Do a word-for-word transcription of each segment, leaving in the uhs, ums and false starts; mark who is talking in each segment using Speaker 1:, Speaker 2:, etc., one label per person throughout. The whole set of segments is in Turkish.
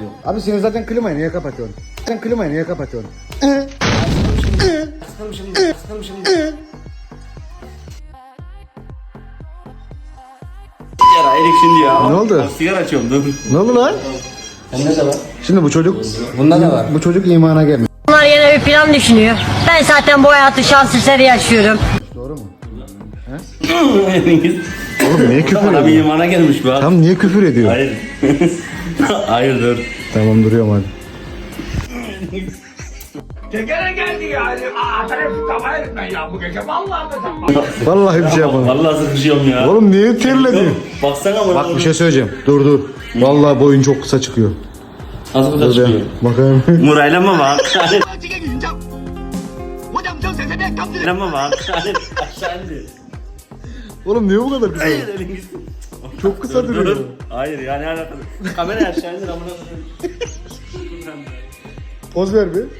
Speaker 1: diyorum. Abi sen zaten klimayı niye kapatıyorsun? Sen klimayı niye kapatıyorsun?
Speaker 2: Sıkılmışım şimdi, sıkılmışım şimdi.
Speaker 3: Sigara erik şimdi ya.
Speaker 1: Ne oldu?
Speaker 3: Sigara açıyorum dur.
Speaker 1: Ne oldu lan?
Speaker 2: Bende de var.
Speaker 1: Şimdi bu çocuk,
Speaker 2: Bunda da var.
Speaker 1: bu çocuk imana gelmiyor.
Speaker 4: Bunlar yine bir plan düşünüyor. Ben zaten bu hayatı şans eseri yaşıyorum.
Speaker 1: Doğru mu?
Speaker 3: Erengiz.
Speaker 1: Oğlum niye küfür
Speaker 3: Bana bir
Speaker 1: ediyor?
Speaker 3: imana gelmiş bu abi.
Speaker 1: Tam niye küfür ediyor?
Speaker 3: Hayır. Hayır dur.
Speaker 1: Tamam duruyorum hadi.
Speaker 5: Tekere geldi yani. Aa, tarafı kafaya etme ya bu gece. Vallahi mesela.
Speaker 1: Vallahi bir şey yapalım.
Speaker 3: Vallahi sıkışıyorum ya.
Speaker 1: Oğlum niye terledin?
Speaker 3: Baksana bana.
Speaker 1: Bak bir şey söyleyeceğim. Dur dur. Vallahi boyun çok kısa çıkıyor.
Speaker 3: Nasıl
Speaker 1: Dur
Speaker 3: çıkıyor?
Speaker 1: ya. Bakayım.
Speaker 3: Murayla mı bak? Murayla mı bak? Aşağı indi.
Speaker 1: Oğlum niye bu kadar kısa?
Speaker 3: Hayır Erengiz.
Speaker 1: Çok kısa
Speaker 3: Dur,
Speaker 1: duruyor.
Speaker 3: dur. Hayır yani alakası. Kamera aşağı indir amına koyayım.
Speaker 1: Poz ver bir.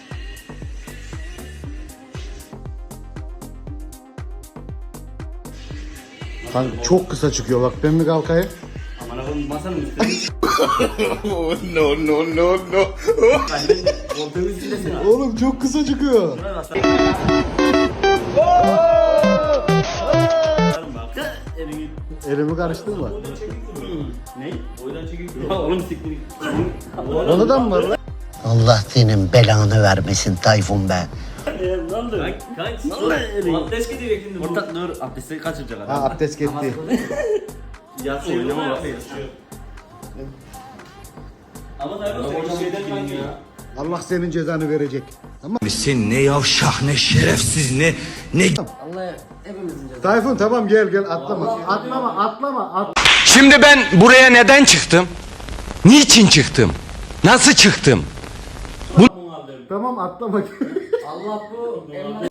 Speaker 1: Kanka çok kısa çıkıyor bak ben mi kalkayım?
Speaker 3: Amına koyayım masanın üstüne.
Speaker 5: No no no no.
Speaker 3: Koltuğun üstündesin abi.
Speaker 1: Oğlum çok kısa çıkıyor.
Speaker 3: Buraya bak. Bak. Erengiz.
Speaker 1: Elimi karıştırma.
Speaker 3: Ne? Oydan çekildi. Ya oğlum siktir.
Speaker 1: Onu da mı var lan?
Speaker 6: Allah senin belanı vermesin Tayfun be.
Speaker 3: Ne oldu? Kaç? Ne oldu? Abdest gidiyor şimdi bu. Orta dur abdesti kaçıracak adam.
Speaker 1: Ha abdest gitti.
Speaker 3: Yatsı oynama bak. Ama da o şeyden kanki ya.
Speaker 1: Allah senin cezanı verecek. Tamam.
Speaker 7: Sen ne yavşak ne şerefsiz ne ne
Speaker 2: Allah hepimizin cezası.
Speaker 1: Tayfun tamam gel gel atlama. Atlama atlama at.
Speaker 7: Şimdi ben buraya neden çıktım? Niçin çıktım? Nasıl çıktım?
Speaker 1: Tamam atlama.
Speaker 2: Allah bu elma